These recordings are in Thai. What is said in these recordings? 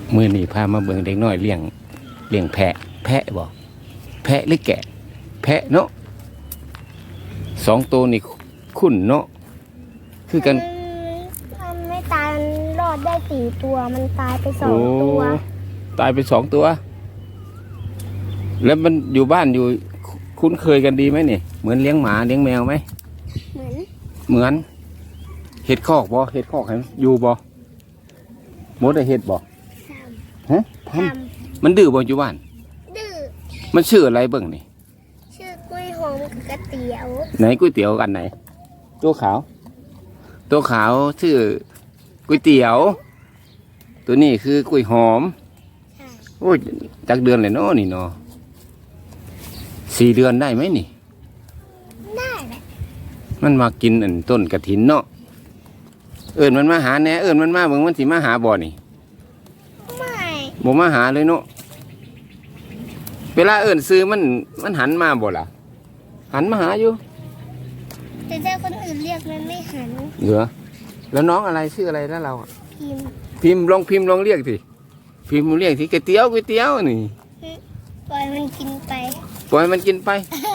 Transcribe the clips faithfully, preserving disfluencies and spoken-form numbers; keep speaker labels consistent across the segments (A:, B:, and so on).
A: มือนี่พามาเบิ่งเด็กน้อยเลี้ยงเลี้ยงแพะแพะบ่แพะหรือแกะแพะเนาะสองตัวนี่คุ้นเนาะคือกัน
B: มันไม่ตายมันรอดได้สี่ตัวมันตายไปสองตัว
A: ตายไปสองตัวแล้วมันอยู่บ้านอยู่คุ้นเคยกันดีไหมเนี่ยเหมือนเลี้ยงหมาเลี้ยงแมวไหม
B: เหมือน
A: เหมือนเห็ดคอกบ่เห็ดคอกเห็นอยู่บ่มดได้เห็ดบ่ฮะทำมันดื้อบ่อยู่บ้าน
B: ดื้อ
A: มันชื่ออะไรเบิ่งนี่
B: ชื่อกล้วยหอมกับก๋วยเตี๋ยว
A: ไหนก๋วยเตี๋ยวกันไหนตัวขาวตัวขาวชื่อก๋วยเตี๋ยวตัวนี้คือกล้วยหอมโอ้ยจักเดือนเลยเนาะนี่เนาะสี่เดือนได้ไหมนี่
B: ได้แหละ
A: มันมากินอันต้นกระถินเนาะเอิญมันมาหาแน่เอิญมันมาเบิ่งมันสิมาหาบ่อนี่
B: ไม่
A: บ่มาหาเลยเนาะเวลาเอิญซื้อมันมันหันมาบ่ล่ะหันมาหาอยู่
B: แต่ถ้าคนอื่นเรียกมันไม่หัน
A: เหรอแล้วน้องอะไรชื่ออะไรแล้วเรา
B: พิมพ์
A: พิมพ์ลองพิมพ์ลองเรียกสิพิมพ์เรียกสิก๋วยเตี๋ยวก๋วยเตี๋ยวนี่
B: ปล่อยมันกินไป
A: ปล่อยมันกินไป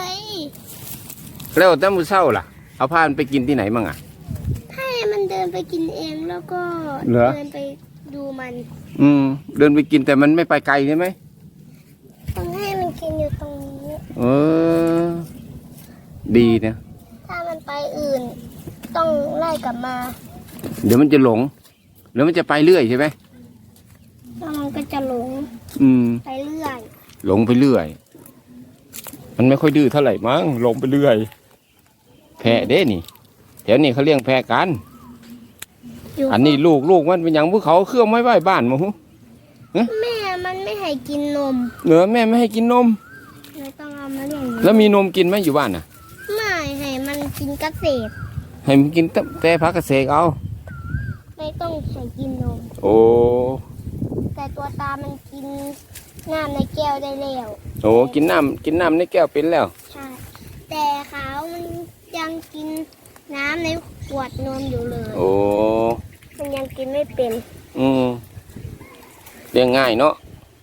A: แล้วแต่มื้อเช้าล่ะเอาพามันไปกินที่ไหนมั่งอ่ะ
B: ให้มันเดินไปกินเองแล้วก็เดินไปดูมัน
A: อืมเดินไปกินแต่มันไม่ไปไกลใช่ไหม
B: ต้องให้มันกินอยู่ตรงนี้
A: เออดีนะ
B: ถ้ามันไปอื่นต้องไล่กลับมา
A: เดี๋ยวมันจะหลงเดี๋ยวมันจะไปเรื่อยใช่ไหม
B: แล้วมันก็จะหลง
A: อืม
B: ไปเรื่อย
A: หลงไปเรื่อยมันไม่ค่อยดื้อเท่าไหร่มั้งหลงไปเรื่อยแพะเด้นี่แถวนี้เขาเลี้ยงแพะกันอันนี้ลูกลูกมันเป็นอย่างพวกเขาเครื่องไม้ไหว้บ้านมั้ง
B: แม่มันไม่ให้กินนม
A: เหรอแม่ไม่ให้กินนม
B: เลยต้องเอามาเลี้ยง
A: แล้วมีนมกินไหมอยู่บ้านน่ะ
B: ไม่ให้มันกินเกษตร
A: ให้มันกินแต่พักเกษตรเอา
B: ไม่ต้องให้กินนม
A: โอ้
B: แต่ตัวตามันกินน้ำในแก้วได้แล้ว
A: โอ้กินน้ำกินน้ำในแก้วเป็นแล้ว
B: ใช่แต่ขาวมันยังกินน้ำในขวดนมอยู่เลย
A: โอ้
B: มันยังกินไม่เป็น
A: อืมเลี้ยงง่ายเนาะ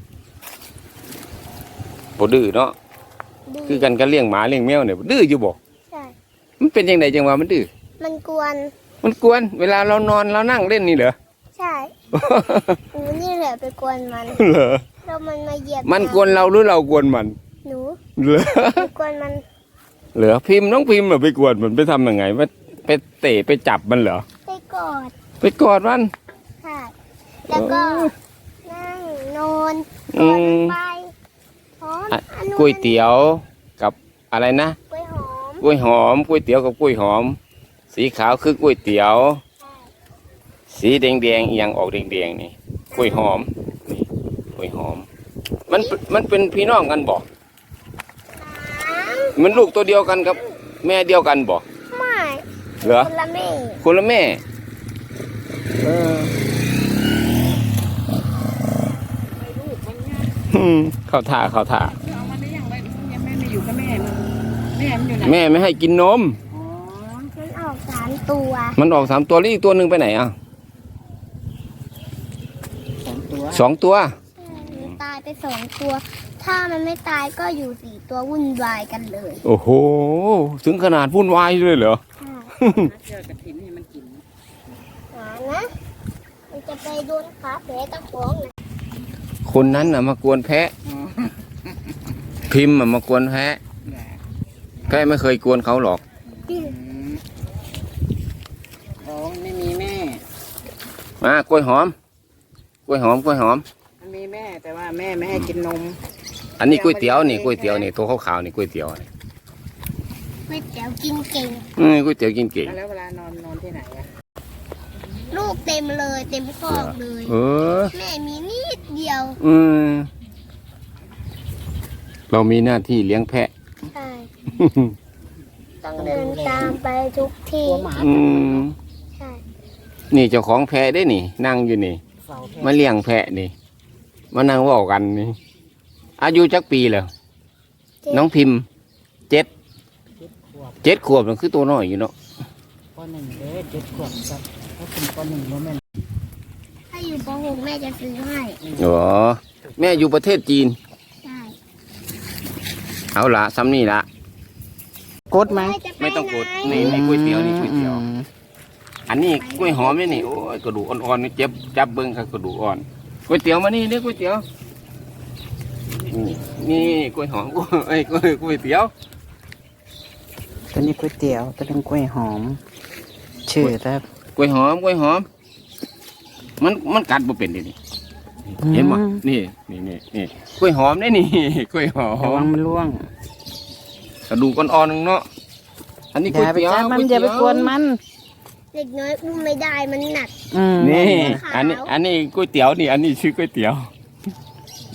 A: บ่ดื้อเนาะคือกันก็เลี้ยงหมาเลี้ยงแมวเนี่ยดื้ออยู่บ่
B: ใช่
A: มันเป็นยังไงจังวะมันดื้อ
B: มันกวน
A: มันกวนเวลาเรานอนเรานั่งเล่นนี่เหรอ
B: ใช่หนูนี่แหละไปกวนมัน
A: เหรอ
B: แล้วมันมาเหยียบ
A: มันกวนเราหรือเรากวนมัน
B: หนู
A: เหรอ
B: ไปกวนมัน
A: เหรอพิมพ์น้องพิมพ์เหรอไปกวนมันไปทำยังไงไปไปเตะไปจับมันเหรอ
B: ไปกอด
A: ไปกอดมัน
B: ค่ะแล้วก็นั่งนอนกอดไปหอม
A: ก๋วยเตี๋ยวกับอะไรนะ
B: กล้วยหอม
A: กล้วยหอมก๋วยเตี๋ยวกับกล้วยหอมสีขาวคือก๋วยเตี๋ยวสีแดงแดงอีกอย่างออกแดงแดงนี่กล้วยหอมนี่กล้วยหอมมันมันเป็นพี่น้องกันบ่มันลูกตัวเดียวกันกับแม่เดียวกันบ่
B: ไม่
A: เหรอ
B: คนละแม่
A: คนละแม่เออเข้าท่าเข้าท่าแม่ไม่ให้กินนม
B: มันออกสามตัว
A: มันออกสามตัวแล้วอีกตัวหนึ่งไปไหนอ่ะ
B: สองตัว
A: สองตัว
B: ตายไปสองตัวถ้ามันไม่ตายก็อยู่สี่ตัววุ่นวายกันเลย
A: โอ้โหถึงขนาดวุ่นวายเลยเหรอ
C: เจอกระถิ่นนี่มันกิน
B: หานะมันจะไปโดนขาแผลตะขวงนะ
A: คนนั้นน่ะมากวนแพะพิมพ์มากวนแพะแพะไม่เคยกวนเขาหรอก
C: อ๋อไม่มีแม่
A: มากล้วยหอมกล้วยหอมกล้วยหอม
C: มันมีแม่แต่ว่าแม่ไม่ให้กินนม
A: อันนี้ก๋วยเตี๋ยวนี่ก๋วยเตี๋ยวนี่ตัวขาวๆนี่ก๋วยเตี๋ยวนี่
B: ก๋วยเตี๋ยวกินเก่ง
A: อืมก๋วยเตี๋ยวกินเก่ง
C: แล้วเวลานอนนอนที่ไหนอะ
B: ลูกเต็มเลยเต็มคอกเลย
A: เออ
B: แม่มีนิดเดียว
A: อืมเรามีหน้าที่เลี้ยงแพะ
B: ใช่ต้องเดินตามไปทุกที่
A: อืม
B: ใช่
A: นี่เจ้าของแพะได้นี่นั่งอยู่นี่มาเลี้ยงแพะนี่มานั่งว่ากันนี่อายุจักปีแล้วน้องพิมพ์เจ็ดเจ็ดขวบมันคือตัวน้อยอยู่เนาะ
C: ปหนึ่งเด้เจ็ดขวบครับถ้าเป็นปหนึ่งโมเมนต์
B: ถ้าอยู่ป .หก แม่จะซื้อให้
A: อ๋อแม่อยู่ประเทศจีน
B: ใช่
A: เอาละซ้ำนี่ละ
C: กดไหม
B: แจะป
A: ไม่ต้องกด
B: ไหน
A: นี่นี่ก๋วยเตี๋ยวนี่ก๋วยเตี๋ยว
C: อืม
A: อันนี้กล้วยหอมนี่นี่โอ้ยกระดูกอ่อนๆนี่เจ็บจับเบิ้งครับกระดูกอ่อนก๋วยเตี๋ยวมานี่เรียกก๋วยเตี๋ยวนี่นี่กล้วยหอม เอ้ยกล้วยก๋วยเตี๋ยว
C: ตัวนี้ก๋วยเตี๋ยวตัวนี้กล้วยหอม ชื่อครับ
A: กล้วยหอมกล้วยหอม มันมันกัดบ่เป็นดินี่เห็นบ่นี่นี่นี่นี่กล้วยหอมได้นี่ กล้วยหอ
C: ระวั
A: ม
C: งมันร่วง
A: กระดูกอ่อนๆนึงเนาะอันนี้
C: อ
A: ก๋วย
C: ย่าไป
A: เตี๋ยว
C: จับมัน
A: ก๋วย
C: อย่าไป
A: เตี๋ยว
C: กวนมัน
B: เด็กน้อยอุ้มไม่ได้มันหนัก
C: อืม
A: นี่
B: ขาว
A: อันนี้อันนี้ก๋วยเตี๋ยวนี่ อันนี้ชื่อก๋วยเตี๋ยว
B: ใ